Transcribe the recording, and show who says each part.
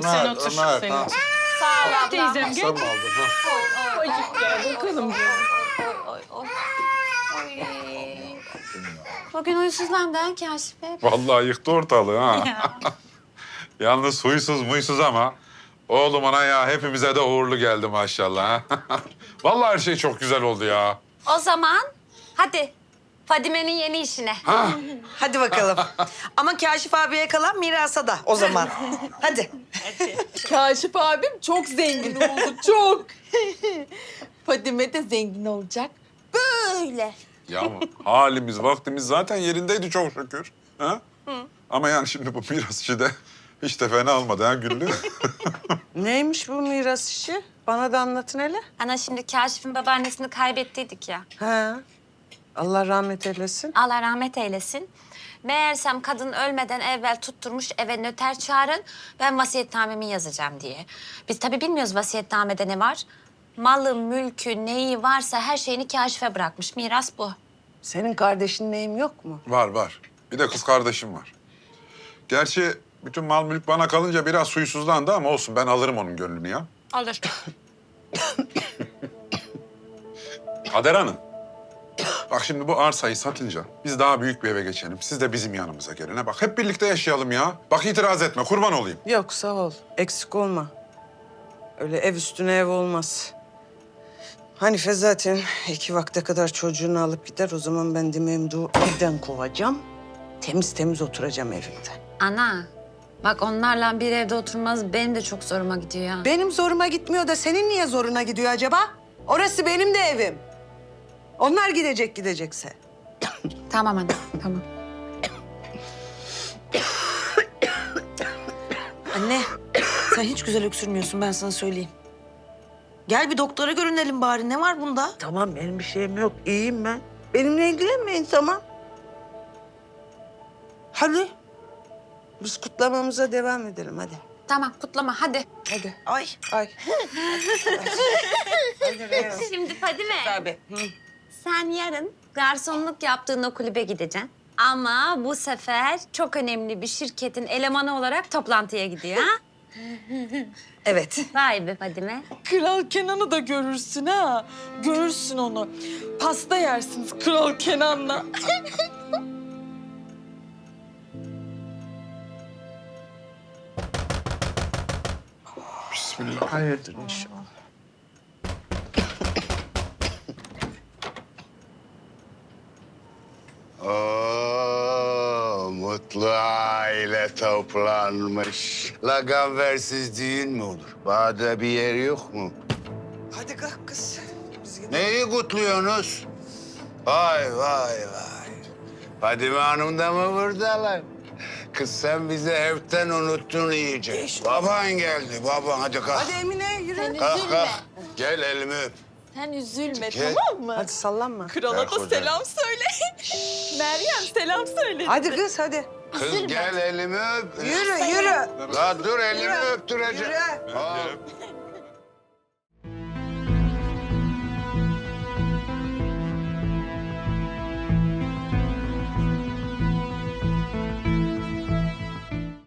Speaker 1: sen otur. Sen
Speaker 2: ha.
Speaker 1: otur.
Speaker 3: Sağ ol abla.
Speaker 1: Teyzem gel.
Speaker 2: Sen mi aldın ha?
Speaker 1: Acık gel bakalım.
Speaker 3: Oy. Bugün huysuzlandı ha Kaşif Bey.
Speaker 2: Vallahi yıktı ortalığı ha. Yalnız huysuz muysuz ama oğlum ana ya hepimize de uğurlu geldi maşallah. Ha? Vallahi her şey çok güzel oldu ya.
Speaker 3: O zaman hadi Fadime'nin yeni işine.
Speaker 4: Hadi bakalım. Ama Kaşif abiye kalan mirasa da o zaman. Hadi.
Speaker 5: Kaşif abim çok zengin oldu, çok. Fadime de zengin olacak. Böyle.
Speaker 2: Ya halimiz vaktimiz zaten yerindeydi çok şükür. Ha? Ama yani şimdi bu miras işi de hiç de fena olmadı ha Güllü.
Speaker 4: Neymiş bu miras işi? Bana da anlatın hele.
Speaker 3: Ana şimdi Kaşif'in babaannesini kaybettiydik ya.
Speaker 4: Ha. Allah rahmet eylesin.
Speaker 3: Allah rahmet eylesin. Meğersem kadın ölmeden evvel tutturmuş eve nöter çağırın. Ben vasiyetnamemi yazacağım diye. Biz tabii bilmiyoruz vasiyetnamede ne var. Malı, mülkü, neyi varsa her şeyini Kaşif'e bırakmış. Miras bu.
Speaker 4: Senin kardeşin neyim yok mu?
Speaker 2: Var. Bir de kız kardeşim var. Gerçi bütün mal mülk bana kalınca biraz huysuzlandı ama olsun ben alırım onun gönlünü ya.
Speaker 3: Alır.
Speaker 2: Kader Hanım. Bak şimdi bu arsayı satınca biz daha büyük bir eve geçelim. Siz de bizim yanımıza gelin. Ha bak hep birlikte yaşayalım ya. Bak itiraz etme kurban olayım.
Speaker 4: Yok sağ ol. Eksik olma. Öyle ev üstüne ev olmaz. Hanife zaten 2 vakte kadar çocuğunu alıp gider. O zaman ben de Memduh'u evden kovacağım. Temiz temiz oturacağım evimde.
Speaker 3: Ana, bak onlarla bir evde oturmaz benim de çok zoruma gidiyor ya.
Speaker 4: Benim zoruma gitmiyor da senin niye zoruna gidiyor acaba? Orası benim de evim. Onlar gidecekse.
Speaker 3: Tamam ana, tamam.
Speaker 6: Anne, sen hiç güzel öksürmüyorsun ben sana söyleyeyim. Gel bir doktora görünelim bari. Ne var bunda?
Speaker 4: Tamam benim bir şeyim yok. İyiyim ben. Benimle ilgilenmeyin tamam. Hadi. Biz kutlamamıza devam edelim hadi.
Speaker 3: Tamam, kutlama hadi.
Speaker 4: Hadi.
Speaker 6: Ay.
Speaker 4: Ay. Hadi Reyhan.
Speaker 3: Şimdi Fadime,
Speaker 4: Tabii.
Speaker 3: sen yarın garsonluk yaptığın o kulübe gideceksin. Ama bu sefer çok önemli bir şirketin elemanı olarak toplantıya gidiyor ha?
Speaker 6: Evet.
Speaker 3: Vay be Fadime.
Speaker 5: Kral Kenan'ı da görürsün ha. Görürsün onu. Pasta yersiniz Kral Kenan'la.
Speaker 2: Bismillah.
Speaker 4: Hayırdır inşallah.
Speaker 7: Oo, mutlu aile toplanmış. Laganversiz düğün mü olur? Bağda bir yer yok mu?
Speaker 4: Hadi kalk kız. Biz gidelim.
Speaker 7: Neyi kutluyorsunuz? Vay. Fadime Hanım da mı buradalar? Kız sen bizi evden unuttun iyice. Baban geldi, baban. Hadi kalk.
Speaker 4: Hadi Emine yürü.
Speaker 7: Kalk. Gel elimi öp.
Speaker 5: Sen üzülme
Speaker 7: Gel.
Speaker 5: tamam mı?
Speaker 4: Hadi sallanma.
Speaker 5: Krala
Speaker 7: Gel
Speaker 5: da
Speaker 7: kucağıma.
Speaker 5: selam söyle. Meryem selam söyle.
Speaker 4: Hadi kız hadi.
Speaker 7: Kız gel elimi öp.
Speaker 4: Yürü.
Speaker 7: La dur elimi öptüreceğim.
Speaker 4: Yürü.
Speaker 7: Hop.